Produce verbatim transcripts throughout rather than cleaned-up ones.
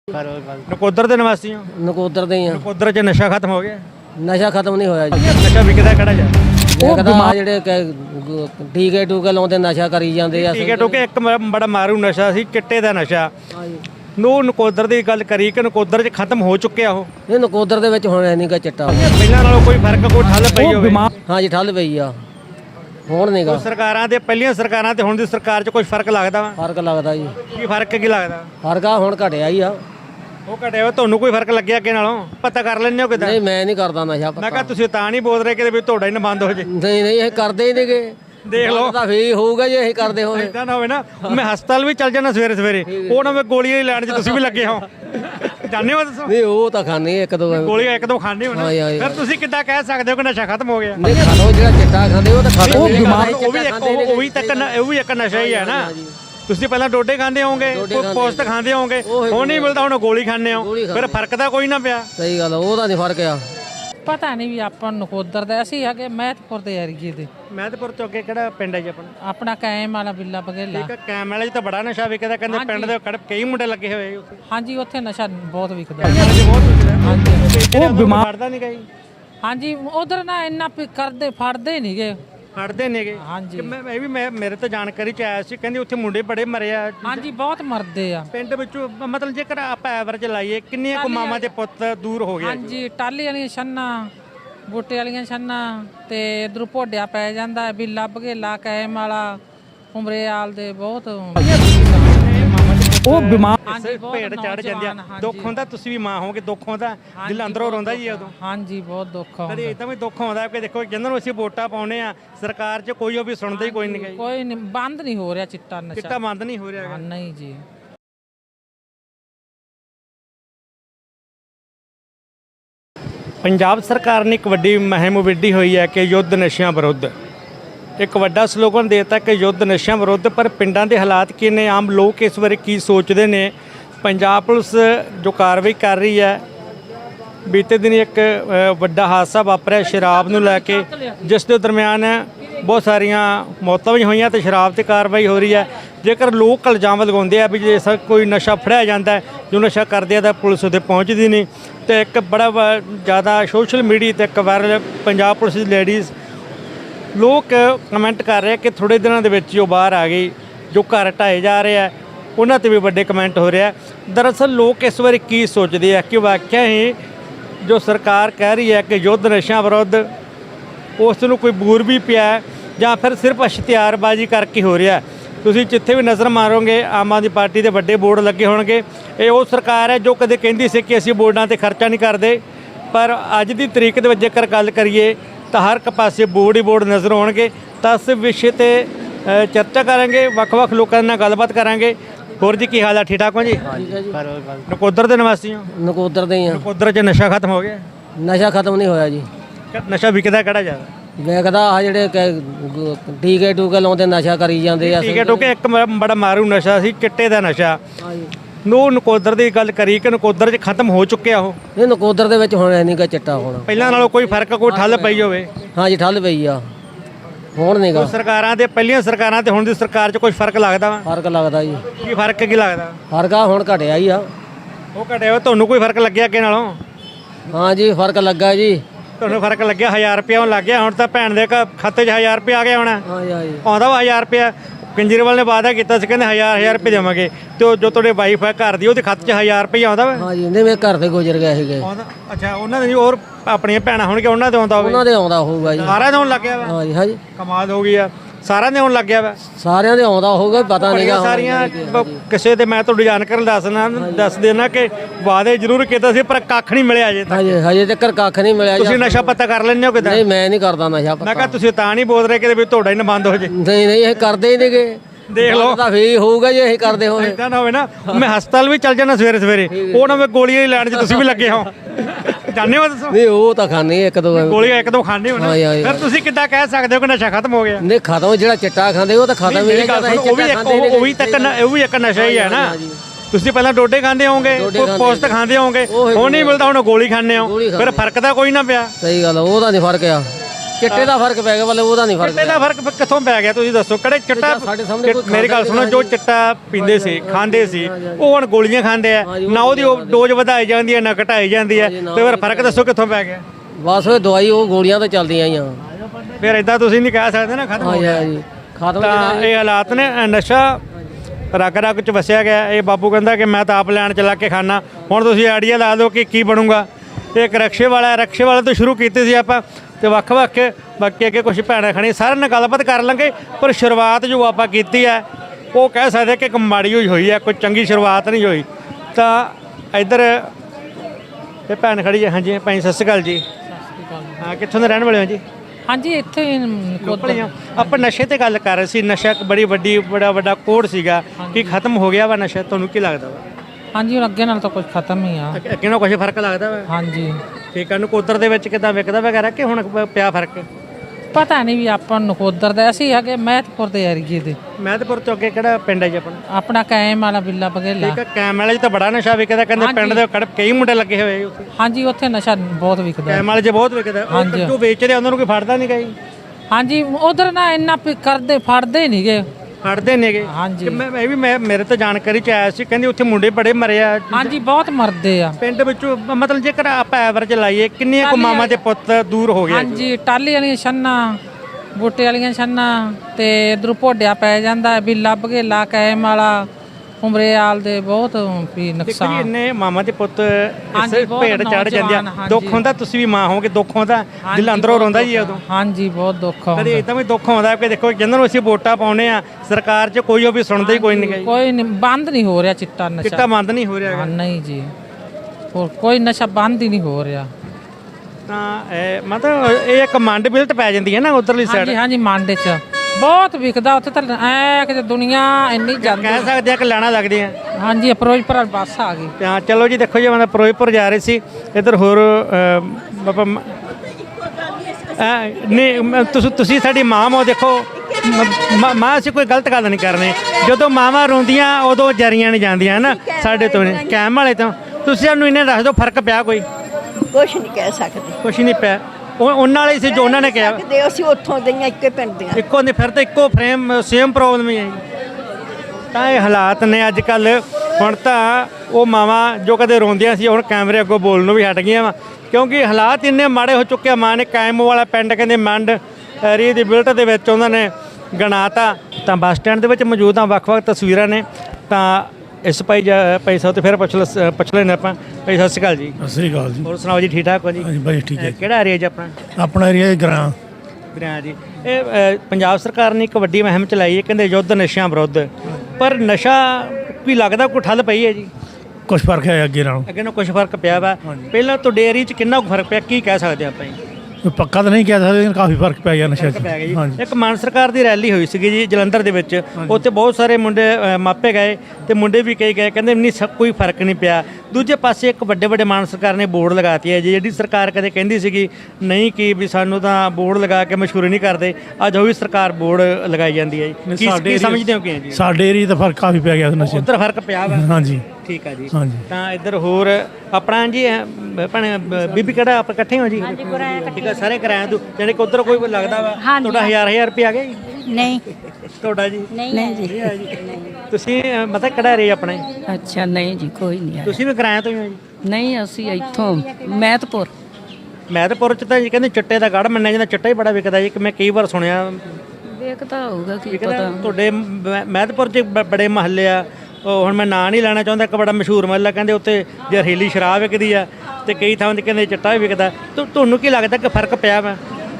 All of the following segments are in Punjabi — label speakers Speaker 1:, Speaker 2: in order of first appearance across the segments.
Speaker 1: ਨਕੋਦਰ ਦੇ ਨਿਵਾਸੀ ਹੋ?
Speaker 2: ਨਕੋਦਰ ਦੇ ਹੀ ਆ।
Speaker 1: ਨਕੋਦਰ 'ਚ ਨਸ਼ਾ ਖਤਮ ਹੋ ਗਿਆ?
Speaker 2: ਨਸ਼ਾ ਖਤਮ ਨਹੀਂ ਹੋਇਆ ਜੀ।
Speaker 1: ਨਸ਼ਾ ਵਿਕਦਾ ਕਿਹੜਾ ਜਾ?
Speaker 2: ਵਿਕਦਾ ਆ ਜਿਹੜੇ ਕ- ਟੀਕੇ ਟੂਕੇ ਲਾਉਂਦੇ ਨਸ਼ਾ ਕਰੀ ਜਾਂਦੇ ਆ।
Speaker 1: ਟੀਕੇ ਟੋਕੇ ਇੱਕ ਮ- ਬੜਾ ਮਾਰੂ ਨਸ਼ਾ ਸੀ, ਚਿੱਟੇ ਦਾ ਨਸ਼ਾ। ਨੂੰ ਨਕੋਦਰ ਦੀ ਗੱਲ ਕਰੀ ਕਿ ਨਕੋਦਰ 'ਚ ਖਤਮ ਹੋ ਚੁੱਕਿਆ ਉਹ?
Speaker 2: ਇਹ ਨਕੋਦਰ ਦੇ ਵਿੱਚ ਹੁਣ ਨਹੀਂਗਾ ਚਿੱਟਾ।
Speaker 1: ਪਹਿਲਾਂ ਨਾਲੋਂ ਕੋਈ ਫਰਕ, ਕੋਈ ਠੱਲ ਪਈ ਹੋਵੇ?
Speaker 2: ਹਾਂਜੀ ਠੱਲ ਪਈ ਆ, ਹੁਣ ਨਹੀਂਗਾ।
Speaker 1: ਸਰਕਾਰਾਂ ਦੇ ਪਹਿਲੀਆਂ ਸਰਕਾਰਾਂ ਤੇ ਹੁਣ ਦੀ ਸਰਕਾਰ 'ਚ ਕੋਈ ਫਰਕ ਲੱਗਦਾ ਵਾ?
Speaker 2: ਫਰਕ ਲੱਗਦਾ ਜੀ।
Speaker 1: ਕੀ ਫਰਕ ਕੀ ਲੱਗਦਾ?
Speaker 2: ਫਰਕ ਆ ਹੁਣ ਘਟਿਆ ਹੀ ਆ।
Speaker 1: ਉਹ ਘਟਿਆ ਵਾ, ਤੁਹਾਨੂੰ ਕੋਈ ਫਰਕ ਲੱਗਿਆ ਅੱਗੇ ਨਾਲੋਂ? ਪਤਾ ਕਰ ਲੈਂਦੇ ਹੋ ਕਿਦਾਂ?
Speaker 2: ਨਹੀਂ ਮੈਂ ਨਹੀਂ ਕਰਦਾ ਨਸ਼ਾ ਪਤਾ।
Speaker 1: ਮੈਂ ਕਿਹਾ ਤੁਸੀਂ ਤਾਂ ਨਹੀਂ ਬੋਲ ਰਹੇ ਕਿ ਵੀ ਤੁਹਾਡਾ ਹੀ ਨਾ ਬੰਦ ਹੋ ਜੇ।
Speaker 2: ਨਹੀਂ ਨਹੀਂ ਇਹ ਕਰਦੇ ਹੀ ਨਹੀਂਗੇ।
Speaker 1: ਦੇਖ ਲਓ
Speaker 2: ਤਾਂ ਫੇਰ ਹੋਊਗਾ ਜੇ ਇਹ ਕਰਦੇ ਹੋਵੇ।
Speaker 1: ਇਦਾਂ ਨਾ ਹੋਵੇ ਨਾ ਮੈਂ ਹਸਪਤਾਲ ਵੀ ਚੱਲ ਜਾਣਾ ਸਵੇਰੇ ਸਵੇਰੇ, ਉਹ ਨਾ ਮੈਂ ਗੋਲੀਆਂ ਹੀ ਲੈਣ 'ਚ ਤੁਸੀਂ ਵੀ ਲੱਗੇ ਹੋ। ਜਾਣੇ ਹੋ ਦੱਸੋ?
Speaker 2: ਨਹੀਂ ਉਹ ਤਾਂ ਖਾਣੇ ਇੱਕ ਦੋ।
Speaker 1: ਗੋਲੀਆਂ ਇੱਕ ਦੋ ਖਾਣੇ ਹੋ ਨਾ,
Speaker 2: ਹਾਂ, ਹਾਂ,
Speaker 1: ਫਿਰ ਤੁਸੀਂ ਕਿੱਦਾਂ ਕਹਿ ਸਕਦੇ ਹੋ ਕਿ ਨਸ਼ਾ ਖਤਮ ਹੋ ਗਿਆ?
Speaker 2: ਨਹੀਂ ਖਾਣੋ ਜਿਹੜਾ ਚਿੱਟਾ ਖਾਂਦੇ ਉਹ ਤਾਂ ਖਾਂਦੇ
Speaker 1: ਉਹ ਵੀ ਇੱਕ ਉਹ ਵੀ ਤੱਕ ਉਹ ਵੀ ਇੱਕ ਨਸ਼ਾ ਹੀ ਹੈ ਨਾ। ਤੁਸੀਂ ਪਹਿਲਾਂ ਡੋਡੇ ਖਾਂਦੇ ਹੋਵੋਗੇ, ਪੋਸਟ ਖਾਂਦੇ ਹੋਵੋਗੇ, ਹੁਣ ਨਹੀਂ ਮਿਲਦਾ, ਹੁਣ ਗੋਲੀ ਖਾਂਦੇ ਹੋ, ਫਿਰ ਫਰਕ ਤਾਂ ਕੋਈ ਨਾ ਪਿਆ।
Speaker 2: ਸਹੀ ਗੱਲ, ਉਹਦਾ ਨਹੀਂ ਫਰਕ ਆ।
Speaker 3: ਪਤਾ ਨਹੀਂ ਵੀ ਆਪਾਂ ਨਕੋਦਰ ਦਾ, ਅਸੀਂ ਹੈਗੇ ਮਹਿਤਪੁਰ ਦੇ ਏਰੀਏ ਦੇ।
Speaker 1: ਮਹਿਤਪੁਰ ਤੋਂ ਅੱਗੇ ਕਿਹੜਾ ਪਿੰਡ ਹੈ ਜੀ ਆਪਣਾ?
Speaker 3: ਆਪਣਾ ਕਾਇਮ ਵਾਲਾ ਬਿੱਲਾ ਬਗੇਲਾ।
Speaker 1: ਠੀਕ ਹੈ, ਕੈਮ ਵਾਲੇ 'ਚ ਤਾਂ ਬੜਾ ਨਸ਼ਾ ਵਿਕਦਾ, ਕਹਿੰਦੇ ਪਿੰਡ ਦੇ ਕੜ ਕਈ ਮੁੰਡੇ ਲੱਗੇ ਹੋਏ ਉੱਥੇ।
Speaker 3: ਹਾਂਜੀ ਉੱਥੇ ਨਸ਼ਾ ਬਹੁਤ ਵਿਕਦਾ।
Speaker 1: ਬਹੁਤ ਵਿਕਦਾ।
Speaker 3: ਹਾਂਜੀ
Speaker 1: ਉਹ ਬਿਮਾਰ ਫੜਦਾ ਨਹੀਂ ਗਈ?
Speaker 3: ਹਾਂਜੀ ਉਧਰ ਨਾ ਇੰਨਾ ਵੀ ਕਰਦੇ ਫੜਦੇ ਨਹੀਂਗੇ।
Speaker 1: ਫੜਦੇ ਨੇਗੇ?
Speaker 3: ਹਾਂਜੀ
Speaker 1: ਮੈਂ ਇਹ ਵੀ ਮੈਂ ਮੇਰੇ ਤੋਂ ਜਾਣਕਾਰੀ 'ਚ ਆਇਆ ਸੀ, ਕਹਿੰਦੇ ਉੱਥੇ ਮੁੰਡੇ ਬੜੇ ਮਰੇ ਆ।
Speaker 3: ਹਾਂਜੀ ਬਹੁਤ ਮਰਦੇ ਆ
Speaker 1: ਪਿੰਡ ਵਿੱਚੋਂ, ਮਤਲਬ ਜੇਕਰ ਆਪਾਂ ਐਵਰੇਜ ਲਾਈਏ ਕਿੰਨੀਆਂ ਕੁ ਮਾਵਾਂ ਦੇ ਪੁੱਤ ਦੂਰ ਹੋ ਗਏ?
Speaker 3: ਹਾਂਜੀ ਟਾਲੀ ਵਾਲੀਆਂ ਛੰਨਾਂ, ਬੂਟੇ ਵਾਲੀਆਂ ਛੰਨਾਂ, ਤੇ ਇਧਰੋਂ ਭੋਡਿਆ ਪੈ ਜਾਂਦਾ ਬਿੱਲਾ ਬਗੇਲਾ, ਕਾਇਮ ਵਾਲਾ, ਉਮਰੇਆਲ ਦੇ ਬਹੁਤ।
Speaker 1: ਉਹ ਬਿਮਾਰ
Speaker 3: ਹਾਂਜੀ, ਬਹੁਤ
Speaker 1: ਭੇਡ ਚੜ ਜਾਂਦੇ ਆ।
Speaker 3: ਨੌਜਵਾਨ,
Speaker 1: ਦੁੱਖ ਹੁੰਦਾ, ਤੁਸੀਂ ਵੀ ਮਾਂ ਹੋਗੇ, ਦੁੱਖ ਹੁੰਦਾ, ਦਿਲ ਅੰਦਰੋਂ ਰੋਂਦਾ ਜੀ ਉਦੋਂ?
Speaker 3: ਹਾਂਜੀ ਬਹੁਤ ਦੁੱਖ
Speaker 1: ਕਦੇ
Speaker 3: ਆਉਂਦਾ।
Speaker 1: ਇਦਾਂ ਵੀ ਦੁੱਖ ਆਉਂਦਾ ਕਿ ਦੇਖੋ ਜਿੰਨਾਂ ਨੂੰ ਅਸੀਂ ਵੋਟਾਂ ਪਾਉਨੇ ਆ, ਸਰਕਾਰ 'ਚ ਕੋਈ ਉਹ ਵੀ ਸੁਣਦਾ ਹੀ ਕੋਈ ਨਹੀਂ ਗਈ।
Speaker 3: ਕੋਈ ਨਹੀਂ, ਬੰਦ ਨਹੀਂ ਹੋ ਰਿਹਾ ਚਿੱਟਾ ਨਸ਼ਾ।
Speaker 1: ਚਿੱਟਾ ਬੰਦ ਨਹੀਂ ਹੋ ਰਿਹਾ ਹੈਗਾ।
Speaker 3: ਨਹੀਂ ਜੀ।
Speaker 1: ਪੰਜਾਬ ਸਰਕਾਰ ਨੇ ਇੱਕ ਵੱਡੀ ਮੁਹਿੰਮ ਵਿੱਢੀ ਹੋਈ ਹੈ ਕਿ ਯੁੱਧ ਨਸ਼ਿਆਂ ਵਿਰੁੱਧ। ਇੱਕ ਵੱਡਾ ਸਲੋਗਨ ਦੇਤਾ ਕਿ ਯੁੱਧ ਨਸ਼ਿਆਂ ਵਿਰੁੱਧ, ਪਰ ਪਿੰਡਾਂ ਦੇ ਹਾਲਾਤ ਕੀ ਨੇ, ਆਮ ਲੋਕ ਇਸ ਬਾਰੇ ਕੀ ਸੋਚਦੇ ਨੇ? ਪੰਜਾਬ ਪੁਲਿਸ ਜੋ ਕਾਰਵਾਈ ਕਰ ਰਹੀ ਹੈ, ਬੀਤੇ ਦਿਨ ਇੱਕ ਅ, ਵੱਡਾ ਹਾਦਸਾ ਵਾਪਰਿਆ ਸ਼ਰਾਬ ਨੂੰ ਲੈ ਕੇ, ਜਿਸ ਦੇ ਦਰਮਿਆਨ ਬਹੁਤ ਸਾਰੀਆਂ ਮੌਤਾਂ ਵੀ ਹੋਈਆਂ ਤੇ ਸ਼ਰਾਬ 'ਤੇ ਕਾਰਵਾਈ ਹੋ ਰਹੀ ਹੈ। ਜੇਕਰ ਲੋਕ ਇਲਜ਼ਾਮ ਲਗਾਉਂਦੇ ਆ ਵੀ ਜੇ ਸਾ ਕੋਈ ਨਸ਼ਾ ਫੜਿਆ ਜਾਂਦਾ ਹੈ, ਜੋ ਨਸ਼ਾ ਕਰਦੇ ਆ ਤਾਂ ਪੁਲਿਸ ਉਹਦੇ ਪਹੁੰਚਦੀ ਨਹੀਂ। ਤੇ ਇੱਕ ਬੜਾ ਵਾ- ਜ਼ਿਆਦਾ ਸੋਸ਼ਲ ਮੀਡੀਆ 'ਤੇ ਇੱਕ ਵਾਇਰਲ ਪੰਜਾਬ ਪੁਲਿਸ ਦੀ ਲੇਡੀਜ਼, ਲੋਕ ਕਮੈਂਟ ਕਰ ਰਹੇ ਕਿ ਥੋੜ੍ਹੇ ਦਿਨਾਂ ਦੇ ਵਿੱਚ ਜੋ ਬਾਹਰ ਆ ਗਈ, ਜੋ ਘਰ ਢਾਏ ਜਾ ਰਹੇ ਆ, ਉਹਨਾਂ 'ਤੇ ਵੀ ਵੱਡੇ ਕਮੈਂਟ ਹੋ ਰਿਹਾ। ਦਰਅਸਲ ਲੋਕ ਇਸ ਬਾਰੇ ਕੀ ਸੋਚਦੇ ਆ ਕਿ ਵਾਕਿਆ ਹੀ ਜੋ ਸਰਕਾਰ ਕਹਿ ਰਹੀ ਹੈ ਕਿ ਯੁੱਧ ਨਸ਼ਿਆਂ ਵਿਰੁੱਧ, ਉਸ ਨੂੰ ਕੋਈ ਬੂਰ ਵੀ ਪਿਆ ਜਾਂ ਫਿਰ ਸਿਰਫ ਇਸ਼ਤਿਹਾਰਬਾਜ਼ੀ ਕਰਕੇ ਹੋ ਰਿਹਾ? ਤੁਸੀਂ ਜਿੱਥੇ ਵੀ ਨਜ਼ਰ ਮਾਰੋਗੇ ਆਮ ਆਦਮੀ ਪਾਰਟੀ ਦੇ ਵੱਡੇ ਬੋਰਡ ਲੱਗੇ ਹੋਣਗੇ। ਇਹ ਉਹ ਸਰਕਾਰ ਹੈ ਜੋ ਕਦੇ ਕਹਿੰਦੀ ਸੀ ਕਿ ਅਸੀਂ ਬੋਰਡਾਂ 'ਤੇ ਖਰਚਾ ਨਹੀਂ ਕਰਦੇ, ਪਰ ਅੱਜ ਦੀ ਤਰੀਕ ਦੇ ਵਿੱਚ ਜੇਕਰ ਗੱਲ ਕਰੀਏ ਤਾਂ ਹਰ ਇੱਕ ਪਾਸੇ ਬੋਰਡ ਹੀ ਬੋਰਡ ਨਜ਼ਰ ਆਉਣਗੇ। ਤਾਂ ਇਸ ਵਿਸ਼ੇ 'ਤੇ ਚਰਚਾ ਕਰਾਂਗੇ, ਵੱਖ-ਵੱਖ ਲੋਕਾਂ ਨਾਲ ਗੱਲਬਾਤ ਕਰਾਂਗੇ। ਹੋਰ ਜੀ ਕੀ ਹਾਲ ਹੈ? ਠੀਕ ਠਾਕ ਹੋ ਜੀ? ਨਕੋਦਰ ਦੇ ਨਿਵਾਸੀ ਹੋ?
Speaker 2: ਨਕੋਦਰ ਦੇ ਹੀ ਆ।
Speaker 1: ਨਕੋਦਰ 'ਚ ਨਸ਼ਾ ਖਤਮ ਹੋ ਗਿਆ?
Speaker 2: ਨਸ਼ਾ ਖਤਮ ਨਹੀਂ ਹੋਇਆ ਜੀ।
Speaker 1: ਨਸ਼ਾ ਵਿਕਦਾ ਕਿਹੜਾ ਜ਼ਿਆਦਾ?
Speaker 2: ਵਿਕਦਾ ਆ ਜਿਹੜੇ ਕ- ਟੀਕੇ ਟੂਕੇ ਲਾਉਂਦੇ ਨਸ਼ਾ ਕਰੀ ਜਾਂਦੇ ਆ।
Speaker 1: ਟੀਕੇ ਟੋਕੇ ਇੱਕ ਮ- ਬੜਾ ਮਾਰੂ ਨਸ਼ਾ ਸੀ, ਚਿੱਟੇ ਦਾ ਨਸ਼ਾ। ਨੂੰ ਨਕੋਦਰ ਦੀ ਗੱਲ ਕਰੀ ਕਿ ਨਕੋਦਰ 'ਚ ਖਤਮ ਹੋ ਚੁੱਕਿਆ ਉਹ?
Speaker 2: ਇਹ ਨਕੋਦਰ ਦੇ ਵਿੱਚ ਹੁਣ ਨਹੀਂਗਾ ਚਿੱਟਾ। ਹੁਣ
Speaker 1: ਪਹਿਲਾਂ ਨਾਲੋਂ ਕੋਈ ਫਰਕ, ਕੋਈ ਠੱਲ ਪਈ ਹੋਵੇ?
Speaker 2: ਹਾਂਜੀ ਠੱਲ ਪਈ ਆ, ਹੁਣ ਨਹੀਂਗਾ।
Speaker 1: ਸਰਕਾਰਾਂ ਦੇ ਪਹਿਲੀਆਂ ਸਰਕਾਰਾਂ ਤੇ ਹੁਣ ਦੀ ਸਰਕਾਰ 'ਚ ਕੋਈ ਫਰਕ ਲੱਗਦਾ ਵਾ?
Speaker 2: ਫਰਕ ਲੱਗਦਾ ਜੀ।
Speaker 1: ਕੀ ਫਰਕ ਕੀ ਲੱਗਦਾ?
Speaker 2: ਫਰਕ ਆ ਹੁਣ ਘਟਿਆ ਹੀ ਆ।
Speaker 1: ਉਹ ਘਟਿਆ ਵਾ, ਤੁਹਾਨੂੰ ਕੋਈ ਫਰਕ ਲੱਗਿਆ ਅੱਗੇ ਨਾਲੋਂ?
Speaker 2: ਹਾਂਜੀ ਫਰਕ ਲੱਗਾ ਜੀ।
Speaker 1: ਤੁਹਾਨੂੰ ਫਰਕ ਲੱਗਿਆ? ਹਜ਼ਾਰ ਰੁਪਇਆ ਹੁਣ ਲੱਗ ਗਿਆ, ਹੁਣ ਤਾਂ ਭੈਣ ਦੇ ਖ- ਖਾਤੇ 'ਚ ਹਜ਼ਾਰ ਰੁਪਇਆ ਆ ਗਿਆ ਹੋਣਾ।
Speaker 2: ਹਾਂਜੀ ਹਾਂਜੀ
Speaker 1: ਆਉਂਦਾ ਵਾ ਹਜ਼ਾਰ ਰੁਪਇਆ? ਕੇਜਰੀਵਾਲ ਨੇ ਵਾਅਦਾ ਕੀਤਾ ਸੀ, ਕਹਿੰਦੇ ਹਜ਼ਾਰ ਹਜ਼ਾਰ ਰੁਪਏ ਦੇਵਾਂਗੇ, ਤੇ ਉਹ ਜੋ ਤੁਹਾਡੇ ਵਾਈਫ ਹੈ ਘਰ ਦੀ, ਉਹਦੇ ਖਾਤੇ 'ਚ ਹਜ਼ਾਰ ਰੁਪਇਆ ਆਉਂਦਾ ਵਾ?
Speaker 2: ਹਾਂਜੀ ਨਹੀਂ ਮੇਰੇ ਘਰ ਦੇ ਗੁਜ਼ਰ ਗਏ ਸੀਗੇ।
Speaker 1: ਆਉਂਦਾ? ਅੱਛਾ, ਉਹਨਾਂ ਦੇ ਹੋਰ ਆਪਣੀਆਂ ਭੈਣਾਂ ਹੋਣਗੇ, ਉਹਨਾਂ ਦੇ ਆਉਂਦਾ ਹੋਵੇ?
Speaker 2: ਉਹਨਾਂ ਦੇ ਆਉਂਦਾ ਹੋਊਗਾ ਜੀ।
Speaker 1: ਸਾਰਿਆਂ ਦੇ ਆਉਣ ਲੱਗ ਗਿਆ ਵਾ?
Speaker 2: ਹਾਂਜੀ ਹਾਂਜੀ
Speaker 1: ਕਮਾਲ ਹੋ ਗਈ ਆ, ਸਾਰਿਆਂ ਦੇ ਆਉਣ ਲੱਗ ਗਿਆ ਵਾ।
Speaker 2: ਸਾਰਿਆਂ ਦੇ ਆਉਂਦਾ ਹੋਊਗਾ, ਪਤਾ ਨਹੀਂਗਾ।
Speaker 1: ਸਾਰੀਆਂ ਬ- ਕਿਸੇ ਦੇ ਮੈਂ ਤੁਹਾਡੀ ਜਾਣਕਾਰੀ ਦੱਸਣਾ ਦੱਸ ਦੇਣਾ ਕਿ ਵਾਅਦੇ ਜ਼ਰੂਰ ਕੀਤਾ ਸੀ, ਪਰ ਕੱਖ ਨਹੀਂ ਮਿਲਿਆ ਅਜੇ ਤੱਕ।
Speaker 2: ਹਜੇ ਹਜੇ ਤੱਕ ਕੱਖ ਨਹੀਂ ਮਿਲਿਆ ਜੀ।
Speaker 1: ਤੁਸੀਂ ਨਸ਼ਾ ਪਤਾ ਕਰ ਲੈਂਦੇ ਹੋ ਕਿਦਾਂ?
Speaker 2: ਨਹੀਂ ਮੈਂ ਨਹੀਂ ਕਰਦਾ ਨਸ਼ਾ
Speaker 1: ਮੈਂ ਕਿਹਾ
Speaker 2: ਪਤਾ।
Speaker 1: ਤੁਸੀਂ ਤਾਂ ਨਹੀਂ ਬੋਲ ਰਹੇ ਕਿ ਵੀ ਤੁਹਾਡਾ ਹੀ ਨਾ ਬੰਦ ਹੋ ਜੇ।
Speaker 2: ਨਹੀਂ ਨਹੀਂ ਇਹ ਕਰਦੇ ਹੀ ਨਹੀਂਗੇ।
Speaker 1: ਦੇਖ ਲਓ
Speaker 2: ਤਾਂ ਫੇਰ ਹੋਊਗਾ ਜੇ ਇਹ ਕਰਦੇ ਹੋਏ।
Speaker 1: ਇਦਾਂ ਨਾ ਹੋਵੇ ਨਾ ਮੈਂ ਹਸਪਤਾਲ ਵੀ ਚੱਲ ਜਾਣਾ ਸਵੇਰੇ ਸਵੇਰੇ, ਉਹ ਨਾ ਮੈਂ ਗੋਲੀਆਂ ਹੀ ਲੈਣ 'ਚ ਤੁਸੀਂ ਵੀ ਲੱਗੇ ਹੋ। ਜਾਣੇ ਹੋ ਦੱਸੋ?
Speaker 2: ਨਹੀਂ ਉਹ ਤਾਂ ਖਾਣੇ ਇੱਕ ਦੋ।
Speaker 1: ਗੋਲੀਆਂ ਇੱਕ ਦੋ ਖਾਣੇ ਹੋ ਨਾ,
Speaker 2: ਹਾਂਜੀ, ਹਾਂਜੀ।
Speaker 1: ਫਿਰ ਤੁਸੀਂ ਕਿੱਦਾਂ ਕਹਿ ਸਕਦੇ ਹੋ ਕਿ ਨਸ਼ਾ ਖਤਮ ਹੋ ਗਿਆ?
Speaker 2: ਨਹੀਂ ਖਤਮ, ਜਿਹੜਾ ਚਿੱਟਾ ਖਾਂਦੇ ਉਹ ਤਾਂ ਖਤਮ ਹੀ ਨਹੀਂ ਕਰਦਾ।
Speaker 1: ਉਹ ਵੀ ਇੱਕ ਉਹ ਵੀ ਤੱਕ ਉਹ ਵੀ ਇੱਕ ਨਸ਼ਾ ਹੀ ਹੈ ਨਾ। ਤੁਸੀਂ ਪਹਿਲਾਂ ਡੋਡੇ ਖਾਂਦੇ ਹੋਵੋਗੇ, ਪੋਸਟ ਖਾਂਦੇ ਹੋਵੋਗੇ, ਹੁਣ ਨਹੀਂ ਮਿਲਦਾ, ਹੁਣ ਗੋਲੀ ਖਾਂਦੇ ਹੋ, ਫਿਰ ਫਰਕ ਤਾਂ ਕੋਈ ਨਾ ਪਿਆ।
Speaker 2: ਸਹੀ ਗੱਲ, ਉਹਦਾ ਨਹੀਂ ਫਰਕ ਆ। ਚਿੱਟੇ ਦਾ ਫਰਕ ਪੈ ਗਿਆ ਮਤਲਬ ਉਹਦਾ ਨਹੀਂ ਫਰਕ
Speaker 1: ਚਿੱਟੇ ਦਾ ਫਰਕ ਫਿਰ ਕਿੱਥੋਂ ਪੈ ਗਿਆ ਤੁਸੀਂ ਦੱਸੋ? ਕਿਹੜੇ ਚਿੱਟਾ
Speaker 2: ਸਾਡੇ ਸਾਹਮਣੇ ਕੋਈ
Speaker 1: ਮੇਰੀ ਗੱਲ ਸੁਣੋ, ਜੋ ਚਿੱਟਾ ਪੀਂਦੇ ਸੀ ਖਾਂਦੇ ਸੀ ਉਹ ਹੁਣ ਗੋਲੀਆਂ ਖਾਂਦੇ ਆ, ਨਾ ਉਹਦੀ ਡੋਜ਼ ਵਧਾਈ ਜਾਂਦੀ ਹੈ ਨਾ ਘਟਾਈ ਜਾਂਦੀ ਹੈ, ਤੇ ਫਿਰ ਫਰਕ ਦੱਸੋ ਕਿੱਥੋਂ ਪੈ ਗਿਆ?
Speaker 2: ਬਸ ਉਹ ਦਵਾਈ ਉਹ ਗੋਲੀਆਂ ਤਾਂ ਚੱਲਦੀਆਂ ਹੀ ਆ।
Speaker 1: ਫਿਰ ਇਦਾਂ ਤੁਸੀਂ ਨਹੀਂ ਕਹਿ ਸਕਦੇ ਨਾ ਖਤਮ ਹੋ
Speaker 2: ਹਾਂਜੀ
Speaker 1: ਗਿਆ।
Speaker 2: ਹਾਂਜੀ ਖਤਮ
Speaker 1: ਤਾਂ ਇਹ ਹਾਲਾਤ ਨੇ। ਅ, ਨਸ਼ਾ ਰਗ ਰਗ ਚ ਵਸਿਆ ਗਿਆ। ਇਹ ਬਾਪੂ ਕਹਿੰਦਾ ਕਿ ਮੈਂ ਤਾਂ ਆਪ ਲੈਣ ਚਲਾ ਕੇ ਖਾਣਾ। ਹੁਣ ਤੁਸੀਂ ਆਈਡੀਆ ਲਾ ਦਿਓ ਕਿ ਕੀ ਬਣੂਗਾ। ਇਹ ਇੱਕ ਰਕਸ਼ੇ ਵਾਲਾ ਰਕਸ਼ੇ ਵਾਲੇ ਤੋਂ ਸ਼ੁਰੂ ਕੀਤੀ ਸੀ ਆਪਾਂ, ਤੇ ਵੱਖ ਵੱਖ ਬਾਕੀ ਅੱਗੇ ਕੁਝ ਭੈਣਾਂ ਖਣੀ ਸਾਰਿਆਂ ਨਾਲ ਗੱਲਬਾਤ ਕਰ ਲਾਂਗੇ। ਪਰ ਸ਼ੁਰੂਆਤ ਜੋ ਆਪਾਂ ਕੀਤੀ ਹੈ ਉਹ ਕਹਿ ਸਕਦੇ ਕਿ ਇੱਕ ਮਾੜੀ ਹੋਈ ਹੋਈ ਹੈ, ਕੋਈ ਚੰਗੀ ਸ਼ੁਰੂਆਤ ਨਹੀਂ ਹੋਈ। ਤਾਂ ਇੱਧਰ ਇਹ ਭੈਣ ਖੜੀ ਹੈ। ਹਾਂਜੀ ਭਾਈ ਸਤਿ ਸ਼੍ਰੀ ਅਕਾਲ ਜੀ। ਹਾਂ, ਕਿੱਥੋਂ ਦੇ ਰਹਿਣ ਵਾਲੇ ਹੋ ਜੀ?
Speaker 3: ਹਾਂਜੀ ਇੱਥੇ ਹੀ
Speaker 1: ਕੋਪਲੇ ਆ। ਆਪਾਂ ਨਸ਼ੇ ਤੇ ਗੱਲ ਕਰ ਰਹੇ ਸੀ। ਨਸ਼ਾ ਇੱਕ ਬੜੀ ਵੱਡੀ ਬੜਾ ਵੱਡਾ ਕੋੜ ਸੀਗਾ, ਕੀ ਖਤਮ ਹੋ ਗਿਆ ਵਾ ਨਸ਼ਾ? ਤੁਹਾਨੂੰ ਕੀ ਲੱਗਦਾ ਵਾ?
Speaker 3: ਹਾਂਜੀ ਹੁਣ ਅੱਗੇ ਨਾਲ ਤਾਂ ਕੁਝ ਖਤਮ ਹੀ ਆ।
Speaker 1: ਅੱਗੇ ਨਾਲ ਕੁਝ ਫਰਕ ਲੱਗਦਾ ਵਾ?
Speaker 3: ਹਾਂਜੀ
Speaker 1: ਠੀਕ ਆ। ਨਕੋਦਰ ਦੇ ਵਿੱਚ ਕਿੱਦਾਂ ਵਿਕਦਾ ਵਗੈਰਾ ਕਿ ਹੁਣ ਪਿਆ ਫਰਕ?
Speaker 3: ਪਤਾ ਨਹੀਂ ਵੀ ਆਪਾਂ ਨੂੰ ਨਕੋਦਰ ਦੇ, ਅਸੀਂ ਹੈਗੇ ਮਹਿਤਪੁਰ ਦੇ ਏਰੀਏ ਦੇ।
Speaker 1: ਮਹਿਤਪੁਰ ਤੋਂ ਅੱਗੇ ਕਿਹੜਾ ਪਿੰਡ ਹੈ ਜੀ ਆਪਣਾ?
Speaker 3: ਆਪਣਾ ਕਾਇਮ ਵਾਲਾ ਬਿੱਲਾ ਬਗੇਲਾ।
Speaker 1: ਠੀਕ ਆ। ਕੈਮ ਵਾਲੇ 'ਚ ਤਾਂ ਬੜਾ ਨਸ਼ਾ ਵਿਕਦਾ, ਕਹਿੰਦੇ ਪਿੰਡ ਦੇ ਕੜ ਕਈ ਮੁੰਡੇ ਲੱਗੇ ਹੋਏ ਉੱਥੇ।
Speaker 3: ਹਾਂਜੀ ਉੱਥੇ ਨਸ਼ਾ ਬਹੁਤ ਵਿਕਦਾ।
Speaker 1: ਕੈਮ ਵਾਲੇ 'ਚ ਬਹੁਤ ਵਿਕਦਾ। ਉਹ ਜੋ ਵੇਚਦੇ ਉਹਨਾਂ ਨੂੰ ਕੋਈ ਫੜਦਾ ਨਹੀਂ ਗਈ?
Speaker 3: ਹਾਂਜੀ ਉਧਰ ਨਾ ਇੰਨਾ ਪ- ਕਰਦੇ ਫੜਦੇ ਨਹੀਂਗੇ।
Speaker 1: ਫੜਦੇ ਨੇਗੇ।
Speaker 3: ਹਾਂਜੀ
Speaker 1: ਮੈਂ ਇਹ ਵੀ ਮੈਂ ਮੇਰੇ ਤੋਂ ਜਾਣਕਾਰੀ 'ਚ ਆਇਆ ਸੀ, ਕਹਿੰਦੇ ਉੱਥੇ ਮੁੰਡੇ ਬੜੇ ਮਰੇ ਆ
Speaker 3: ਹਾਂਜੀ ਬਹੁਤ ਮਰਦੇ ਆ
Speaker 1: ਪਿੰਡ ਵਿੱਚੋਂ। ਮਤਲਬ ਜੇਕਰ ਆਪਾਂ ਐਵਰੇਜ ਲਾਈਏ ਕਿੰਨੀਆਂ ਕੁ ਮਾਵਾਂ ਦੇ ਪੁੱਤ ਦੂਰ ਹੋ ਗਏ?
Speaker 3: ਹਾਂਜੀ ਟਾਲੀ ਵਾਲੀਆਂ ਛੰਨਾਂ, ਬੂਟੇ ਵਾਲੀਆਂ ਛੰਨਾਂ, ਤੇ ਇਧਰੋਂ ਭੋਡਿਆ ਪੈ ਜਾਂਦਾ ਵੀ ਲੱਭ ਕੇ ਲਾ ਕਾਇਮ ਵਾਲਾ ਉਮਰੇਆਲ ਦੇ ਬਹੁਤ ਵੀ
Speaker 1: ਦੇਖੋ
Speaker 3: ਨੁਕਸਾਨ।
Speaker 1: ਜੀ ਇੰਨੇ ਮਾਵਾਂ ਦੇ ਪੁੱਤ
Speaker 3: ਹਾਂਜੀ,
Speaker 1: ਇਸ
Speaker 3: ਬਹੁਤ
Speaker 1: ਭੇਡ ਚੜ ਜਾਂਦੇ ਆ।
Speaker 3: ਨੌਜਵਾਨ,
Speaker 1: ਦੁੱਖ
Speaker 3: ਹਾਂਜੀ।
Speaker 1: ਹੁੰਦਾ, ਤੁਸੀਂ ਵੀ ਮਾਂ ਹੋਗੇ, ਦੁੱਖ ਹੁੰਦਾ, ਦਿਲ ਅੰਦਰੋਂ ਰੋਂਦਾ ਜੀ ਉਦੋਂ।
Speaker 3: ਹਾਂਜੀ ਬਹੁਤ ਦੁੱਖ
Speaker 1: ਕਦੇ
Speaker 3: ਆਉਂਦਾ।
Speaker 1: ਇਦਾਂ ਵੀ ਦੁੱਖ ਆਉਂਦਾ ਕਿ ਦੇਖੋ ਜਿੰਨਾਂ ਨੂੰ ਅਸੀਂ ਵੋਟਾਂ ਪਾਉਨੇ ਆ ਸਰਕਾਰ 'ਚ ਕੋਈ ਉਹ ਵੀ ਸੁਣਦਾ ਹੀ ਕੋਈ ਨਹੀਂ ਗਈ।
Speaker 3: ਕੋਈ ਨਹੀਂ ਬੰਦ ਨਹੀਂ ਹੋ ਰਿਹਾ ਚਿੱਟਾ ਨਸ਼ਾ।
Speaker 1: ਚਿੱਟਾ ਬੰਦ ਨਹੀਂ ਹੋ ਰਿਹਾ
Speaker 3: ਹਾਂ,
Speaker 1: ਹੈਗਾ।
Speaker 3: ਨਹੀਂ ਜੀ ਹੋਰ ਕੋਈ ਨਸ਼ਾ ਬੰਦ ਹੀ ਨਹੀਂ ਹੋ ਰਿਹਾ।
Speaker 1: ਤਾਂ ਇਹ ਮਤਲਬ ਇਹ ਇੱਕ ਮੰਡ ਬਿਲਟ ਪੈ ਜਾਂਦੀ ਹੈ ਨਾ ਉਧਰਲੀ ਸਾਈਡ।
Speaker 3: ਹਾਂਜੀ ਹਾਂਜੀ ਮਾਂਡੇ ਚ ਬਹੁਤ ਵਿਕਦਾ ਉੱਥੇ ਤਾਂ ਐ ਕਿ ਦੁਨੀਆ ਇੰਨੀ ਜਾਂਦੀ।
Speaker 1: ਕਹਿ ਸਕਦੇ ਆ ਕਿ ਲੈਣਾ ਲੱਗਦੇ ਆ।
Speaker 3: ਹਾਂਜੀ ਫਿਰੋਜ਼ਪੁਰ ਬੱਸ ਆ ਗਈ।
Speaker 1: ਤਾਂ ਚਲੋ ਜੀ ਦੇਖੋ ਜੀ ਮੈਂ ਫਿਰੋਜ਼ਪੁਰ ਜਾ ਰਹੇ ਸੀ। ਇੱਧਰ ਹੋਰ ਬਾਬਾ ਮ- ਅਹ ਨਹੀਂ ਮ- ਤੁਸੀਂ ਤੁਸੀਂ ਸਾਡੀ ਮਾਂ ਹੋ। ਦੇਖੋ ਮ- ਮ- ਮਾਂ ਅਸੀਂ ਕੋਈ ਗਲਤ ਗੱਲ ਨਹੀਂ ਕਰਨੇ। ਜਦੋਂ ਮਾਵਾਂ ਰੋਂਦੀਆਂ ਉਦੋਂ ਜਰੀਆਂ ਨਹੀਂ ਜਾਂਦੀਆਂ ਨਾ ਸਾਡੇ ਤੋਂ ਨਹੀਂ ਕੈਮ ਵਾਲੇ ਤੋਂ। ਤੁਸੀਂ ਸਾਨੂੰ ਇਹਨੇ ਦੱਸ ਦਿਓ ਫਰਕ ਪਿਆ ਕੋਈ?
Speaker 4: ਕੁਛ ਨਹੀਂ ਕਹਿ ਸਕਦੇ।
Speaker 1: ਕੁਛ ਨਹੀਂ ਪਿਆ। ਉਹ ਉਹਨਾਂ ਵਾਲੇ ਸੀ ਜੋ ਉਹਨਾਂ ਨੇ ਕਿਹਾ।
Speaker 4: ਸਕਦੇ ਅਸੀਂ ਉੱਥੋਂ ਦੀਆਂ ਇੱਕੇ ਪਿੰਡ ਦੀਆਂ।
Speaker 1: ਇੱਕੋ ਨੇ ਫਿਰ ਤਾਂ ਇੱਕੋ ਫਰੇਮ ਸੇਮ ਪ੍ਰੋਬਲਮ ਹੀ ਹੈ ਜੀ। ਤਾਂ ਇਹ ਹਾਲਾਤ ਨੇ ਅੱਜ ਕੱਲ੍ਹ। ਹੁਣ ਤਾਂ ਉਹ ਮਾਵਾਂ ਜੋ ਕਦੇ ਰੋਂਦੀਆਂ ਸੀ ਹੁਣ ਕੈਮਰੇ ਅੱਗੋਂ ਬੋਲਣ ਨੂੰ ਵੀ ਹਟ ਗਈਆਂ ਵਾ, ਕਿਉਂਕਿ ਹਾਲਾਤ ਇੰਨੇ ਮਾੜੇ ਹੋ ਚੁੱਕੇ ਆ। ਮਾਂ ਨੇ ਕਾਇਮ ਵਾਲਾ ਪਿੰਡ ਕਹਿੰਦੇ ਮੰਡ ਏਰੀਏ ਦੀ ਬਿਲਟ ਦੇ ਵਿੱਚ ਉਹਨਾਂ ਨੇ ਗਣਾਤਾ। ਤਾਂ ਬੱਸ ਸਟੈਂਡ ਦੇ ਵਿੱਚ ਮੌਜੂਦ ਆ। ਵੱਖ-ਵੱਖ ਤਸਵੀਰਾਂ ਨੇ। ਤਾਂ ਇਸ ਭਾਈ ਭਾਈ ਸਾਹਿਬ ਤੋਂ ਫਿਰ ਪੁੱਛ ਲ ਪੁੱਛ ਲੈਂਦੇ ਆਪਾਂ। ਭਾਈ ਸਤਿ ਸ਼੍ਰੀ ਅਕਾਲ ਜੀ।
Speaker 5: ਸਤਿ ਸ੍ਰੀ ਅਕਾਲ ਜੀ।
Speaker 1: ਹੋਰ ਸੁਣਾਓ ਜੀ, ਠੀਕ ਠਾਕ ਹੋ ਜੀ?
Speaker 5: ਹਾਂਜੀ ਬਾਈ ਠੀਕ ਹੈ।
Speaker 1: ਅਹ ਕਿਹੜਾ ਏਰੀਆ ਜੀ ਆਪਣਾ?
Speaker 5: ਆਪਣਾ ਏਰੀਆ ਗਰਾਂ।
Speaker 1: ਗਰਾਂ ਜੀ। ਇਹ ਅਹ, ਪੰਜਾਬ ਸਰਕਾਰ ਨੇ ਇੱਕ ਵੱਡੀ ਮੁਹਿੰਮ ਚਲਾਈ ਹੈ, ਕਹਿੰਦੇ ਯੁੱਧ ਨਸ਼ਿਆਂ ਵਿਰੁੱਧ। ਪਰ ਨਸ਼ਾ ਕੀ ਲੱਗਦਾ ਕੋਈ ਠੱਲ ਪਈ ਹੈ ਜੀ?
Speaker 5: ਕੁਛ ਫਰਕ ਹੈ ਅੱਗੇ ਨਾਲੋਂ।
Speaker 1: ਅੱਗੇ ਨੂੰ ਕੁਝ ਫਰਕ ਪਿਆ ਵਾ। ਪਹਿਲਾਂ ਤੁਹਾਡੇ ਏਰੀਏ 'ਚ ਕਿੰਨਾ ਕੁ ਫਰਕ ਪਿਆ, ਕੀ ਕਹਿ ਸਕਦੇ ਆਪਾਂ ਜੀ?
Speaker 5: ਕੋਈ ਪੱਕਾ ਤਾਂ ਨਹੀਂ ਕਹਿ ਸਕਦੇ ਲੇਕਿਨ ਕਾਫੀ ਫਰਕ ਪੈ ਗਿਆ ਨਸ਼ੇ
Speaker 1: ਫਰਕ ਪੈ ਗਿਆ
Speaker 5: 'ਚ।
Speaker 1: ਜੀ।
Speaker 5: ਹਾਂਜੀ
Speaker 1: ਇੱਕ ਮਾਨ ਸਰਕਾਰ ਦੀ ਰੈਲੀ ਹੋਈ ਸੀਗੀ ਜੀ ਜਲੰਧਰ ਦੇ ਵਿੱਚ। ਉੱਥੇ ਬਹੁਤ ਸਾਰੇ ਮੁੰਡੇ ਅ, ਮਾਪੇ ਗਏ ਤੇ ਮੁੰਡੇ ਵੀ ਕਈ ਗਏ, ਕਹਿੰਦੇ ਨਹੀਂ ਸਭ ਕੋਈ ਫਰਕ ਨਹੀਂ ਪਿਆ। ਦੂਜੇ ਪਾਸੇ ਇੱਕ ਵੱਡੇ ਵੱਡੇ ਮਾਨ ਸਰਕਾਰ ਨੇ ਬੋਰਡ ਲਗਾਤੀ ਹੈ ਜੀ। ਜਿਹੜੀ ਸਰਕਾਰ ਕਦੇ ਕਹਿੰਦੀ ਸੀਗੀ ਨਹੀਂ ਕਿ ਵੀ ਸਾਨੂੰ ਤਾਂ ਬੋਰਡ ਲਗਾ ਕੇ ਮਸ਼ਹੂਰੀ ਨਹੀਂ ਕਰਦੇ, ਅੱਜ ਉਹ ਵੀ ਸਰਕਾਰ ਬੋਰਡ ਲਗਾਈ ਜਾਂਦੀ ਹੈ ਜੀ। ਕੀ ਕੀ ਸਮਝਦੇ ਹੋ ਕੀ ਹੈ ਜੀ?
Speaker 5: ਸਾਡੇ ਏਰੀਆ ਤਾਂ ਫਰਕ ਕਾਫੀ ਪੈ ਗਿਆ ਨਸ਼ੇ 'ਚ।
Speaker 1: ਉੱਧਰ ਫਰਕ ਪਿਆ ਵਾ।
Speaker 5: ਹਾਂਜੀ
Speaker 1: ਠੀਕ ਆ ਜੀ।
Speaker 5: ਹਾਂਜੀ।
Speaker 1: ਤਾਂ ਇੱਧਰ ਹੋਰ ਆਪਣਾ ਜੀ ਭੈਣੇ ਬੀਬੀ ਕਿਹੜਾ ਆਪਾਂ ਇਕੱਠੇ ਹੋ ਜੀ? ਠੀਕ ਆ ਸਾਰੇ ਕਿਰਾਇਆ ਤੋਂ ਜਾਨੀ ਕਿ ਉੱਧਰ ਕੋਈ ਲੱਗਦਾ ਵਾ ਤੁਹਾਡਾ ਹਜ਼ਾਰ ਹਜ਼ਾਰ ਰੁਪਏ ਆ ਗਿਆ ਜੀ?
Speaker 6: ਨਹੀਂ
Speaker 1: ਤੁਹਾਡਾ ਜੀ?
Speaker 6: ਨਹੀਂ ਜੀ
Speaker 1: ਨਹੀਂ ਆ ਜੀ। ਤੁਸੀਂ ਅ, ਮਤਲਬ ਕਿਹੜਾ ਏਰੀਆ ਆਪਣਾ ਜੀ?
Speaker 6: ਅੱਛਾ ਨਹੀਂ ਜੀ ਕੋਈ ਨਹੀਂ ਆਇਆ
Speaker 1: ਤੁਸੀਂ ਵੀ ਕਿਰਾਇਆ ਤੋਂ ਹੀ ਹੋ ਜੀ?
Speaker 6: ਨਹੀਂ ਅਸੀਂ ਇੱਥੋਂ ਮਹਿਤਪੁਰ
Speaker 1: ਮਹਿਤਪੁਰ ਚ ਤਾਂ ਜੀ ਕਹਿੰਦੇ ਚਿੱਟੇ ਦਾ ਗੜ ਮੰਨਿਆ ਜਾਂਦਾ, ਚਿੱਟਾ ਹੀ ਬੜਾ ਵਿਕਦਾ ਜੀ। ਕਿ ਮੈਂ ਕਈ ਵਾਰ ਸੁਣਿਆ
Speaker 6: ਵੇਖਦਾ ਹੋਊਗਾ ਕੀ
Speaker 1: ਵੀ ਕਹਿੰਦੇ
Speaker 6: ਪਤਾ।
Speaker 1: ਤੁਹਾਡੇ ਮ- ਮਹਿਤਪੁਰ ਚ ਬ- ਬੜੇ ਮਹੱਲੇ ਆ। ਉਹ ਹੁਣ ਮੈਂ ਨਾਂ ਨਹੀਂ ਲੈਣਾ ਚਾਹੁੰਦਾ, ਇੱਕ ਬੜਾ ਮਸ਼ਹੂਰ ਮਹੱਲਾ ਕਹਿੰਦੇ ਉੱਥੇ ਜ਼ਹਿਰੀਲੀ ਸ਼ਰਾਬ ਵਿਕਦੀ ਆ ਤੇ ਕਈ ਥਾਵਾਂ ਤੇ ਕਹਿੰਦੇ ਚਿੱਟਾ ਵੀ ਵਿਕਦਾ। ਤੁ- ਤੁਹਾਨੂੰ ਕੀ ਲੱਗਦਾ ਕਿ ਫਰਕ ਪਿਆ ਵਾ?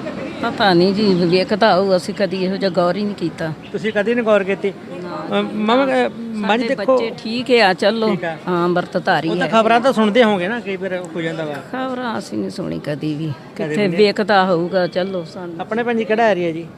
Speaker 6: ਪਤਾ ਨਹੀਂ ਜੀ ਵੇਖਦਾ ਹੋਊ, ਅਸੀਂ ਕਦੀ ਇਹੋ ਜਿਹਾ ਗੌਰ ਹੀ ਨਹੀਂ ਕੀਤਾ।
Speaker 1: ਤੁਸੀਂ ਕਦੀ ਨਹੀਂ ਗੌਰ ਕੀਤੀ? ਮਾਮਾ ਮਾਂ ਜੀ
Speaker 6: ਸਾਡੇ
Speaker 1: ਦੇਖੋ
Speaker 6: ਬੱਚੇ ਠੀਕ ਆ ਚਲੋ।
Speaker 1: ਠੀਕ ਆ।
Speaker 6: ਹਾਂ ਵਰਤਧਾਰੀ
Speaker 1: ਉਹ ਤਾਂ
Speaker 6: ਹੈ।
Speaker 1: ਖਬਰਾਂ ਤਾਂ ਸੁਣਦੇ ਹੋਗੇ ਨਾ, ਕਈ ਵਾਰ ਹੋ ਜਾਂਦਾ ਵਾ।
Speaker 6: ਖਬਰਾਂ ਅਸੀਂ ਨਹੀਂ ਸੁਣੀ ਕਦੀ ਵੀ। ਕਿੱਥੇ ਵੇਖਦਾ ਹੋਊਗਾ ਚਲੋ ਸਾਨੂੰ।
Speaker 1: ਆਪਣੇ ਭਾਂਜੀ ਕਿਹੜਾ ਏਰੀਆ ਜੀ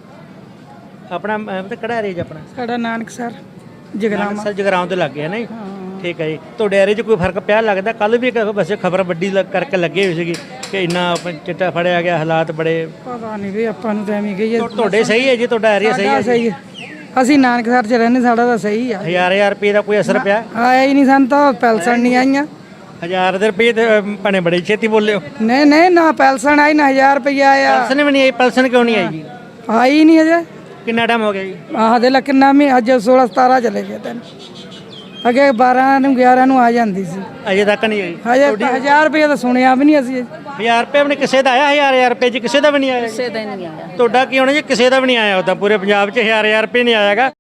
Speaker 1: ਆਪਣਾ? ਮਤਲਬ ਕਿਹੜਾ ਏਰੀਆ ਜੀ ਆਪਣਾ?
Speaker 7: ਸਾਡਾ ਨਾਨਕਸਰ ਜਗਰਾਮ
Speaker 1: ਸਰ ਜਗਰਾਉਂ ਤੇ ਲੱਗ ਗਿਆ ਨਹੀਂ? ਠੀਕ ਹੈ ਜੀ। ਤੁਹਾਡੇ ਏਰੀਏ 'ਚ ਕੋਈ ਫਰਕ ਪਿਆ ਲੱਗਦਾ? ਕੱਲ ਵੀ ਇੱਕ ਵੈਸੇ ਖਬਰ ਵੱਡੀ ਲੱਗ- ਕਰਕੇ ਲੱਗੀ ਹੋਈ ਸੀਗੀ ਕਿ ਇੰਨਾ ਚਿੱਟਾ ਫੜਿਆ ਗਿਆ, ਹਾਲਾਤ ਬੜੇ।
Speaker 7: ਪਤਾ ਨਹੀਂ ਵੀ ਆਪਾਂ ਨੂੰ ਤਾਂ ਐਵੇਂ ਕਹੀਏ।
Speaker 1: ਤੁਹਾ- ਤੁਹਾਡੇ ਸਹੀ ਹੈ ਜੀ? ਤੁਹਾਡਾ ਏਰੀਆ ਸਹੀ ਹੈ ਜੀ?
Speaker 7: ਸਹੀ ਹੈ। ਅਸੀਂ ਨਾਨਕਸਰ ਚ ਰਹਿੰਦੇ, ਸਾਡਾ ਤਾਂ ਸਹੀ ਆ।
Speaker 1: ਹਜ਼ਾਰ ਹਜ਼ਾਰ ਰੁਪਏ ਦਾ ਕੋਈ ਅਸਰ ਪਿਆ?
Speaker 7: ਆਇਆ ਹੀ ਨਹੀਂ ਸਾਨੂੰ ਤਾਂ ਪੈਲਸਣ ਨਹੀਂ ਆਈਆਂ।
Speaker 1: ਹਜ਼ਾਰ ਦੇ ਰੁਪਏ ਤੇ ਭਣੇ ਬੜੀ ਛੇਤੀ ਬੋਲੇ ਹੋ।
Speaker 7: ਨਹੀਂ ਨਹੀਂ ਨਾ ਪੈਲਸਨ ਆਈ ਨਾ ਹਜ਼ਾਰ ਰੁਪਈਆ ਆਇਆ
Speaker 1: ਪੈਲਸਨ ਵੀ ਨਹੀਂ ਆਈ, ਪੈਲਸਨ ਕਿਉਂ ਨਹੀਂ ਆਈ ਜੀ?
Speaker 7: ਆਈ ਨਹੀਂ ਅਜੇ।
Speaker 1: ਕਿੰਨਾ ਟਾਈਮ ਹੋ ਗਿਆ ਜੀ?
Speaker 7: ਆਹ ਦੇ ਕਿੰਨਾ ਮੀ ਅੱਜ ਸੋਲਾਂ ਸਤਾਰਾਂ ਚਲੇ ਗਏ ਤੈਨੂੰ ਅੱਗੇ ਬਾਰਾਂ ਨੂੰ ਗਿਆਰਾਂ ਨੂੰ ਆ ਜਾਂਦੀ ਸੀ
Speaker 1: ਅਜੇ ਤੱਕ ਨਹੀਂ ਆਈ।
Speaker 7: ਹਜੇ ਤਾਂ ਹਜ਼ਾਰ ਰੁਪਈਆ ਤਾਂ ਸੁਣਿਆ ਵੀ ਨਹੀਂ ਅਸੀਂ।
Speaker 1: ਹਜ਼ਾਰ ਰੁਪਏ ਆਪਣੇ ਕਿਸੇ ਦਾ ਆਇਆ? ਹਜ਼ਾਰ ਹਜ਼ਾਰ ਰੁਪਏ 'ਚ ਕਿਸੇ ਦਾ ਵੀ ਨਹੀਂ ਆਇਆ ਜੀ?
Speaker 6: ਕਿਸੇ ਦਾ ਨਹੀਂ ਆਇਆ।
Speaker 1: ਤੁਹਾਡਾ ਕੀ ਹੋਣਾ ਜੀ? ਕਿਸੇ ਦਾ ਵੀ ਨਹੀਂ ਆਇਆ। ਉਦਾਂ ਪੂਰੇ ਪੰਜਾਬ 'ਚ ਹਜ਼ਾਰ ਹਜ਼ਾਰ ਰੁਪਏ ਨਹੀਂ ਆਇਆਗਾ।